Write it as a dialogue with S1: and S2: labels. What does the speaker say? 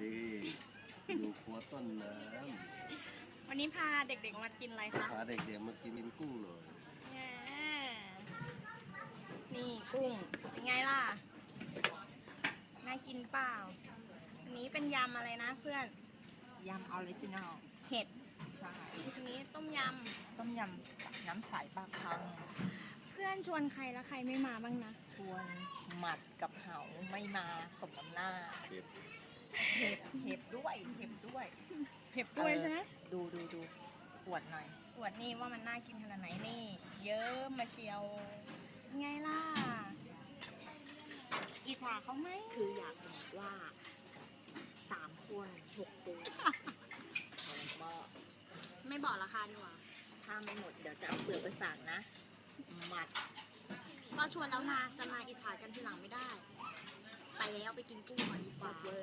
S1: ดีอยู่ครัวต้นน้
S2: วันนี้พาเด็กๆมากินอะไรคะ
S1: ำพาเด็กๆมากินกุ้งหน่อย
S2: แง่นี่กุ้งเป็นไงล่ะ น่ากินเปล่า อันนี้เป็นยำอะไรนะเพื่อน
S3: ยำออริจินัล
S2: เห็ด
S3: ใช่
S2: อันนี้ต้มย
S3: ต้มยำน้ำใสปลาคัง
S2: ำ เพื่อนชวนใครแล้วใครไม่มาบ้างนะ
S3: ชวนหมัดกับเหาไม่มาสมน้ำหน้า
S1: เผ็ด
S3: เห็บด้วยเห็บด้วย
S2: เผ็ดด้วยใช่ไหม
S3: ดูปวดหน่อย
S2: อวดนี่ว่ามันน่ากินขนาดไหนนี่ เยอะมาเชียวเป็นไงล่ะ อิจฉาเขาไหม
S3: คืออยากบอกว่า3 คน6 ตัวก็
S2: ไม่บอกราคาดีกว่า
S3: ถ้าไม่หมดเดี๋ยวจะเอาเปลือกไปฝากนะ หมัด
S2: ก็ชวนแล้วนะจะมาอิจฉากันทีหลังไม่ได้ ไปแล้วไปกินกุ้งก่อนดีกว่า
S3: เวอร์